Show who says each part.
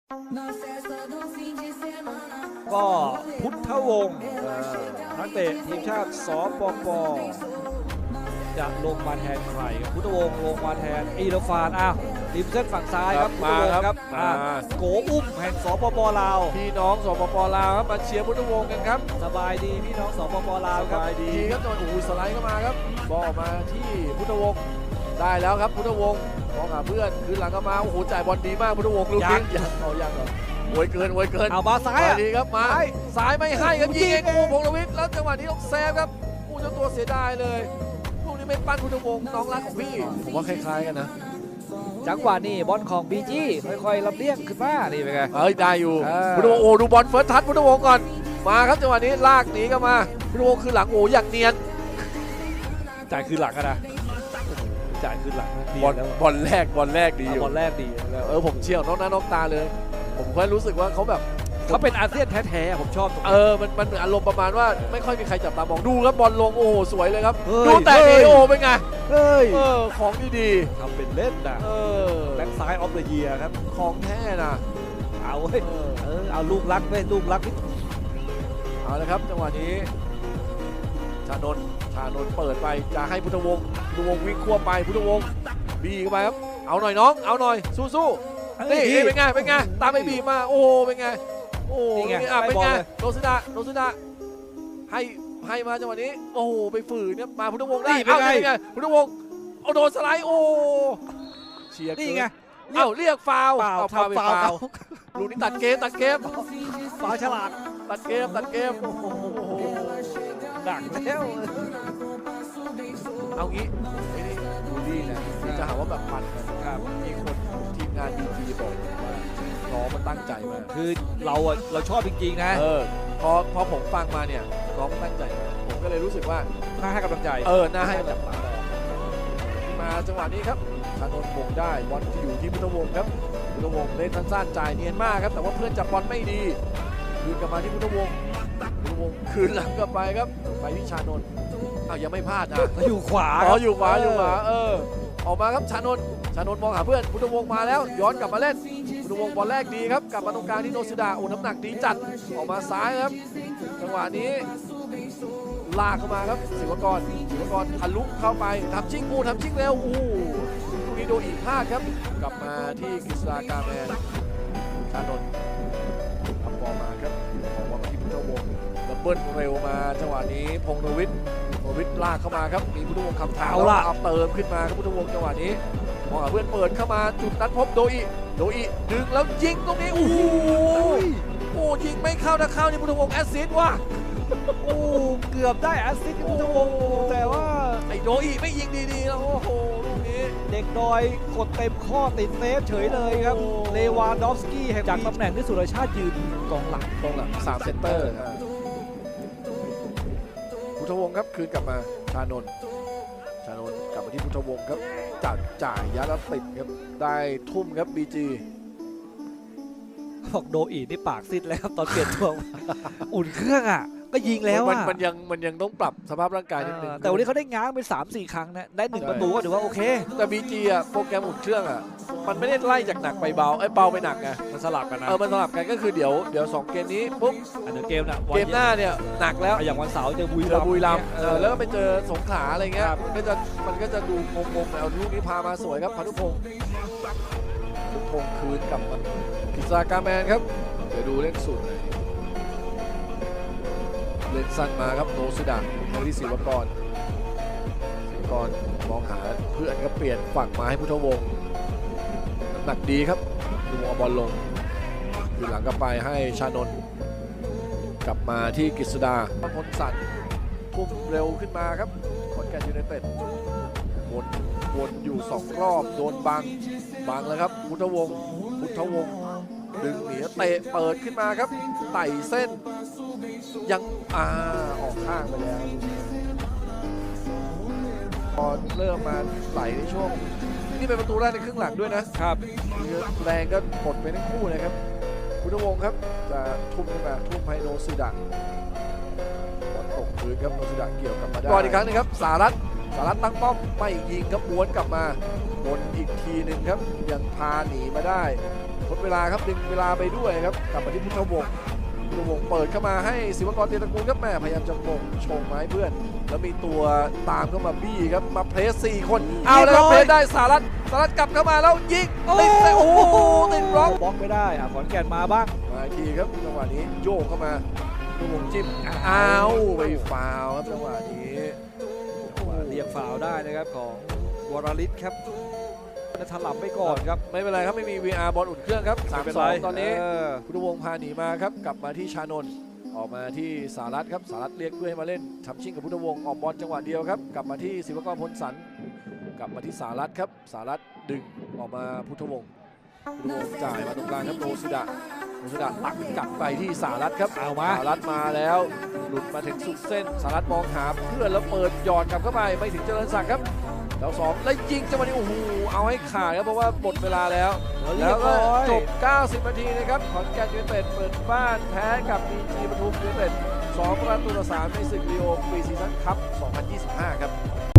Speaker 1: ก็พุทธวงศ์นักเตะทีมชาติสปป.จะลงมาแทนใครครับพุทธวงศ์ลงมาแทนอีรฟานริมเส้นฝั่งซ้ายครับ
Speaker 2: มาครับ
Speaker 1: โกอุ้มแห่งสปป.ลาว
Speaker 2: พี่น้องสปป.ลาวครับมาเชียร์พุทธวงศ์กันครับ
Speaker 1: สบายดีพี่น้องสปป.ลาวครับ
Speaker 2: สบายดีครับจังหวะสไลด์เข้ามาครับบอลมาที่พุทธวงศ์ได้แล้วครับพุทธวงศ์มองหาเพื่อนคืนหลังเข้ามาโอ้โหจ่ายบอลดีมากพุทธวงศ์ลูกนี้ยังเหรอโวยเกิน
Speaker 1: เอามาซ้าย
Speaker 2: ดีครับมาซ้ายไม่ให้ครับยิงเองพงษ์วิทย์แล้วจังหวะนี้ต้องแซฟครับเจ้าตัวเสียดายเลยลูกนี้ไม่ปั้นพุทธวงศ์น้องรักของพี่ผมว่าคล้ายๆกันนะ
Speaker 1: จังหวะนี้บอลของบีจีค่อยๆลำเลียงขึ้นมานี่เป็นไง
Speaker 2: ได้อยู่พุทธวงศ์โอ้ดูบอลเฟิร์สทัชพุทธวงศ์ก่อนมาครับจังหวะนี้ลากหนีกันมาพุทธวงศ์คือหลังโอ้อย่างเนียน
Speaker 1: จ่ายคืนหลังกันนะจ่ายคืนหลัง
Speaker 2: บอลแรกดีอยู่
Speaker 1: บอลแรกดี
Speaker 2: ผมเชี่ยวนอกหน้านอกตาเลยผมแค่รู้สึกว่าเขาแบบ
Speaker 1: เขาเป็นอาเซียนแท้ๆผมชอบ
Speaker 2: มันเหมือนอารมณ์ประมาณว่าไม่ค่อยมีใครจับตามองดูครับบอลลงโอ้สวยเลยครับดูแต่ดีโอเป็นไงของดี
Speaker 1: ทำเป็นเล่นนะแบ็คซ้ายออฟเดอะเยียร์ครับ
Speaker 2: ของแท้นะ
Speaker 1: เอาเว้ยเอาลูกรักเว้ยลูกรัก
Speaker 2: เอาเลยครับจังหวะนี้ชานนท์เปิดไปจะให้พุทธวงศ์วิ่งควบไปพุทธวงศ์บีเข้าไปครับเอาหน่อยน้องเอาหน่อยสู้นี่เป็นไงตามไปบีมาโอ้เป็นไงโอ้เป็นไงโนซุดะให้มาจังหวะนี้โอ้ไปฝืนเนี่ยมาพุทธวงศ์ได้เป็นไงพุทธวงศ์เอาโดนสไลด์โอ้เชียร์
Speaker 1: นี่ไง
Speaker 2: เรียกฟาว
Speaker 1: ทำฟาว
Speaker 2: ลูกนี้ตัดเกม
Speaker 1: ฟาวฉลาด
Speaker 2: ตัดเกมโอ้โห
Speaker 1: ดักแล้ว
Speaker 2: เอางี้ไม่ได้บูลลี่นะจะหาว่าแบบปั่นกันครับมีคนทีมงานดีบอกว่าน้องมันตั้งใจมาก
Speaker 1: คือเราชอบจริงๆนะ
Speaker 2: พอผมฟังมาเนี่ยน้องมันตั้งใจผมก็เลยรู้สึกว่า
Speaker 1: น่าให้กำลังใจ
Speaker 2: น่าให้จับตามาจังหวะนี้ครับชานนท์มงได้บอลอยู่ที่พุทธวงศ์ครับพุทธวงศ์เล่นสั้นๆจ่ายเนียนมากครับแต่ว่าเพื่อนจับบอลไม่ดีคืนกลับมาที่พุทธวงศ์คืนหลังกลับไปครับไปที่ชานนท์ยังไม่พลาดนะ
Speaker 1: อยู่ขวา
Speaker 2: อยู่ขวาออกมาครับชานนท์มองหาเพื่อนพุทธวงศ์มาแล้วย้อนกลับมาเล่นพุทธวงศ์บอลแรกดีครับกลับมาตรงกลางที่โนซุดะน้ำหนักดีจัดออกมาซ้ายครับจังหวะนี้ลากเข้ามาครับศิวกรทะลุเข้าไปทำชิ่งเร็วลูกนี้โดนอีกพลาดครับกลับมาที่กฤษฎากาแมนชานนท์ทำบอลมาครับออกมาที่พุทธวงศ์ดับเบิลเร็วมาจังหวะนี้พงษ์วิทย์ลากเข้ามาครับมีพุทธวงศ์คำถามแล้วเอาเติมขึ้นมาครับพุทธวงศ์จังหวะนี้มองหาเพื่อนเปิดเข้ามาจุดนัดพบโดอิดึงแล้วยิงตรงนี้ยิงไม่เข้าถ้าเข้านี่พุทธวงศ์แอสซิสต์ว่ะ
Speaker 1: เกือบได้แอสซิสต์พุทธวงศ์แต่ว่า
Speaker 2: ไอ้โดอิไม่ยิงดีๆแล้วลูกนี้
Speaker 1: เด็กดอยกดเต็มข้อติดเซฟเฉยเลยครับเลวานดอฟสกี้แห่งจากตำแหน่งที่สุรชาติยืนกองหลัง
Speaker 2: 3เซนเตอร์พุทธวงศ์ครับคืนกลับมาชานนท์กลับมาที่พุทธวงศ์ครับจ่ายยัดแล้วติดครับได้ทุ่มครับบีจี
Speaker 1: บอกโดอีนี่ปากซิดแล้วตอนเปลี่ยนตัวอุ่นเครื่องก็ยิงแล้ว
Speaker 2: มันยังต้องปรับสภาพร่างกายนิดนึง
Speaker 1: แต่วันนี้เขาได้ง้างไป 3-4 ครั้งนะได้1ประตูก็ถือว่าโอเค
Speaker 2: แต่บีจีโปรแกรมอุ่นเครื่องมันไม่ได้ไล่จากหนักไปเบาเบาไปหนักไง
Speaker 1: มันสลับกันนะ
Speaker 2: มันสลับกันก็คือเดี๋ยว2เกมนี้ปุ๊บ
Speaker 1: เกม
Speaker 2: หน้าเนี่ยหนักแล้ว
Speaker 1: อย่างวันเสาร์เจอบุรีรัมย์
Speaker 2: แล้วก็ไปเจอสงขลาอะไรเงี้ยมันก็จะดูงงๆเอาลูกนี้พามาสวยครับพานุพงศ์คืนกลับมากฤษฎากาแมนครับเดี๋ยวดูเล่นสุดเล่นสั้นมาครับโนซุดะมาที่ศิวกรมองหาเพื่อนก็เปลี่ยนฝั่งมาให้พุทธวงศ์น้ำหนักดีครับดูบอลลงอยู่หลังกลับไปให้ชานนท์กลับมาที่กฤษดาพลสันทุ่มเร็วขึ้นมาครับขอนแก่นยูไนเต็ดวนอยู่2รอบโดนบังแล้วครับพุทธวงศ์ดึงหนีเตะเปิดขึ้นมาครับไต่เส้นยังออกข้างไปแล้วพอเริ่มมาไหลในช่วงนี่เป็นประตูแรกในครึ่งหลังด้วยนะครับแรงก็หมดไปทั้งคู่นะครับพุทธวงศ์ครับจะทุ่มขึ้นมาทุ่มให้โนซุดะบอลตกพื้นครับโนซุดะเกี่ยวกลับมาได้ก่อนอีกครั้งนึงครับสารัตตั้งป้อมไม่ยิงครับม้วนกลับมาวนอีกทีหนึ่งครับยังพาหนีมาได้ทดเวลาครับดึงเวลาไปด้วยครับกลับมาที่พุทธวงศ์เปิดเข้ามาให้ศิวกรเตียตระกูลครับแม่พยายามจะมงชงไม้เพื่อนแล้วมีตัวตามเข้ามาบี้ครับมาเพรส4คนเอาแล้วเพรสได้สารัตกลับเข้ามาแล้วยิงติดแต่โอ้โหติดบล็อก
Speaker 1: บล็อกไม่ได้ขอนแก่นมาบ้าง
Speaker 2: มาอีกทีครับจังหวะนี้โยกเข้ามาพุทธวงศ์จิ้มอ้าวไปฟาวล์ครับจังหวะนี้
Speaker 1: เรียกฟาวล์ได้นะครับของวรลิศครับและถลับไปก่อนครับ
Speaker 2: ไม่เป็นไรครับไม่มี VR บอลอุ่นเครื่องครับ
Speaker 1: ไม่เป็นไร
Speaker 2: 3-2 ตอนนี้
Speaker 1: เ
Speaker 2: พุทธวงศ์พาหนีมาครับกลับมาที่ชานนท์ออกมาที่สารัตครับสารัตเรียกเพื่อให้มาเล่นทำชิ่งกับพุทธวงศ์ออกบอลจังหวะเดียวครับกลับมาที่ศิวกรพลสันกลับมาที่สารัตครับสารัตดึงออกมาพุทธวงศ์จ่ายมาตรงกลางครับโนสุดะตักกลับไปที่สารัตครับ
Speaker 1: เอามา
Speaker 2: สารัตมาแล้วหลุดมาถึงสุดเส้นสารัตมองหาเพื่อนแล้วเปิดหยอดกลับเข้าไปไม่ถึงเจริญศักดิ์ครับแล้ว2แล้วยิงจังหวะนี้โอ้โหเอาให้ขาดครับเพราะว่าหมดเวลาแล้ว แล้วก็จบ 90 นาทีนะครับขอนแก่นยูไนเต็ดเปิดบ้านแพ้กับ BG ปทุมยูไนเต็ด2-3ในศึกลีโอฟรีซีซั่นคัพ 2025 ครับ